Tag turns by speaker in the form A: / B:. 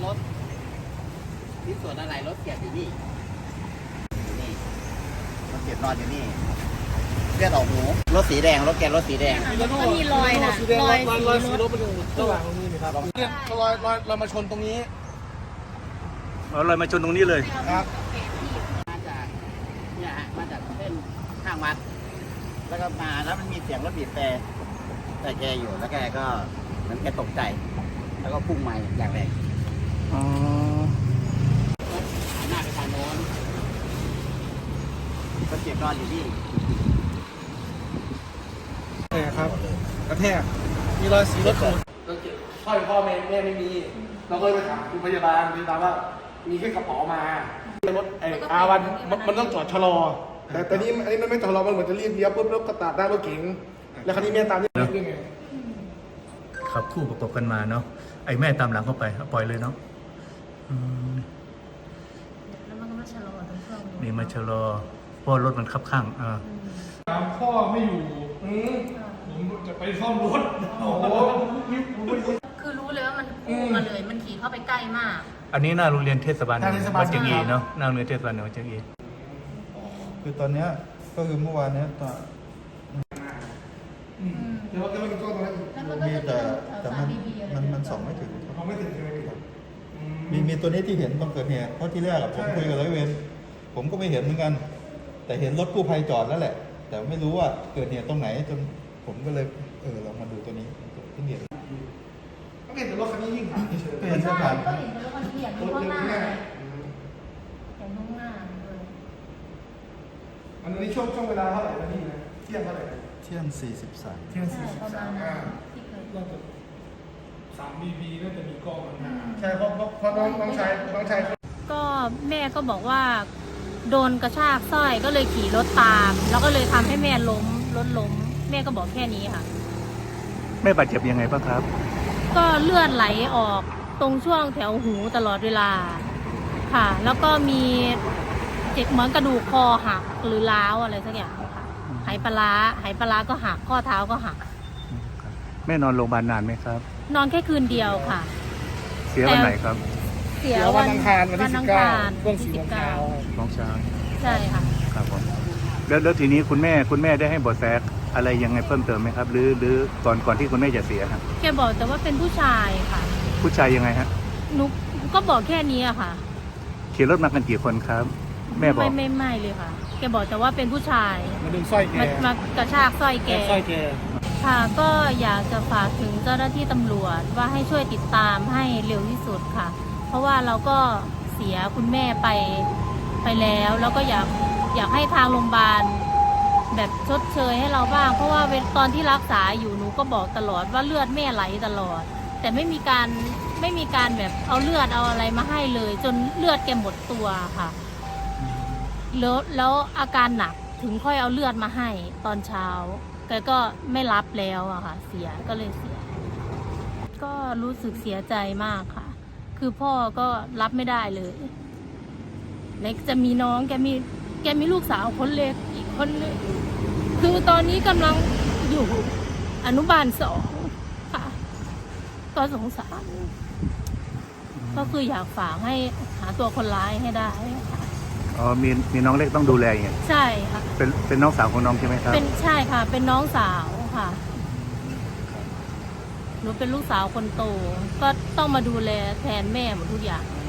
A: ถที่ส่วนอะไรรถเกียร์อยู่นี่รถเกียร์นอนอยู่นี่เลือดออกหูรถสีแดงรถแกรถสีแดง
B: ก็มีรอยนะรอยสีรถ
C: มันอยู่ระหว่างตรงนี้นะครับเนี่ยรอยมาชนตรงนี้
D: ลอยมาชนตรงนี้เลย
C: ครับ
A: มาจากเนี่ยฮะมาจากเส้นข้างวัดแล้วก็มาแล้วมันมีเสียงรถบีบแต่แกอยู่แล้วแกก็เหมือนแกตกใจแล้วก็พุ่งมาอย่างแรงหน้าไปทางโน้นก็เจ็บนอนอยู่ที่
C: แทกครับกระแทกมีรอยสีรถขูดเราเก็บสร้อยพ่อแม่ไม่มีเราก็เลยไปถามคุณพยาบาลว่ามีแค่กระเป๋ามาถอาวันมันต้องจอดชะลอแต่นี้อันนี้มันไม่ชะลอมันเหมือนจะรีบเลี้ยวปุ๊บแล้วก็ตัดหน้ารถเก๋งแล้วคันนี้แม่ตามนี่ไง
D: ขับคู่ประกบกันมาเนาะไอ้แม่ตามหลังเข้าไปปล่อยเลยเนาะ
B: แล้วมันก็มาชะลอตรงช่วง
D: นี่มาชะลอเพราะรถมันคับข้าง
C: พ่อไม่อยู่ผมจะไปซ่อมรถโอ้โห
B: คือรู้เลยว่ามันพุ่งมาเลยมันขี่เข้าไปใกล้มาก
D: อันนี้หน้าโรงเรียนเทศบาลวัดเชียงอีเนาะหน้าโรงเรียนเทศบาลวัดเชียงอี
E: คือตอนนี้ก็คือเมื่อวานนี้
C: เดี๋ยวเราจะไปดูกล้องตรงนั้นอีก
E: มีแต่มันส่องไม่ถึง
C: เขาไม่ถึงใช่ไหมครับ
E: มีตัวนี้ที่เห็นตอนเกิดเหตุเพราะที่แรกผมคุยกับร้อยเวรผมก็ไม่เห็นเหมือนกันแต่เห็นรถกู้ภัยจอดแล้วแหละแต่ไม่รู้ว่าเกิดเหตุตรงไหนจนผมก็เลยลองมาดูตัวนี้ที่เห็น
C: ก็เห็นแต่รถคันนี้ยิ่งผ่านเฉยๆ
E: เห็นสถาน
B: ก็เห็นแต่รถคันนี้อย่างข้างหน้าอย่างข้างหน้าเลย
C: อันนี้ช่วงเวลาเท่าไหร่นะพี่นะเที่ยงเท่าไหร่
E: เที่ยง43
C: เที่ยง43น่าจะ3 BB น่าจะมีกล้องใช่เพราะน้องชาย
B: ก็แม่ก็บอกว่าโดนกระชากสร้อยก็เลยขี่รถตามแล้วก็เลยทำให้แม่ล้มรถล้มแม่ก็บอกแค่นี้ค่ะ
D: แม่บาดเจ็บยังไงบ้างครับ
B: ก็เลือดไหลออกตรงช่วงแถวหูตลอดเวลาค่ะแล้วก็มีเจ็บเหมือนกระดูกคอหักหรือร้าวอะไรสักอย่างค่ะไหปลาร้าก็หักข้อเท้าก็หัก
D: แม่นอนโรงพยาบาลนานไหมครับ
B: นอนแค่คืนเดียวค่ะ
D: เสียวันไหนครับ
B: เสียวันอังคารวันที่19
C: ช่วง4 โมงเช้า
B: ใช่ค่ะ
D: ครับผมแล้วทีนี้คุณแม่ได้ให้เบาะแสอะไรยังไงเพิ่มเติมไหมครับหรือก่อนที่คุณแม่จะเสียครับ
B: แกบอกแต่ว่าเป็นผู้ชายค่ะ
D: ผู้ชายยังไงฮะ
B: นุกก็บอกแค่นี้อะค่ะ
D: ขี่รถมากันกี่คนครับแม่บอก
B: ไม่เลยค่ะแกบอกแต่ว่าเป็นผู้ชาย
C: มาดึงสร้อยแก
B: มากระชากสร้อยแกค่ะก็อยากจะฝากถึงเจ้าหน้าที่ตำรวจว่าให้ช่วยติดตามให้เร็วที่สุดค่ะเพราะว่าเราก็เสียคุณแม่ไปแล้วก็อยากให้ทางโรงพยาบาลแบบชดเชยให้เราบ้างเพราะว่าตอนที่รักษาอยู่หนูก็บอกตลอดว่าเลือดแม่ไหลตลอดแต่ไม่มีการแบบเอาเลือดเอาอะไรมาให้เลยจนเลือดแกหมดตัวค่ะแล้วอาการหนักถึงค่อยเอาเลือดมาให้ตอนเช้าแกก็ไม่รับแล้วอะค่ะเสียก็รู้สึกเสียใจมากค่ะคือพ่อก็รับไม่ได้เลยเล็กจะมีน้องแกมีลูกสาวคนเล็กอีกคนนึงคือตอนนี้กำลังอยู่อนุบาล2ค่ะก็สงสารก็คืออยากฝากให้หาตัวคนร้ายให้ได้ค่ะ
D: มีน้องเล็กต้องดูแลอย่างเงี้ย
B: ใช่ค่ะ
D: เป็นน้องสาวของน้องใช่ไหมครับ
B: ใช่ค่ะเป็นน้องสาวค่ะหนูเป็นลูกสาวคนโตก็ต้องมาดูแลแทนแม่หมดทุกอย่าง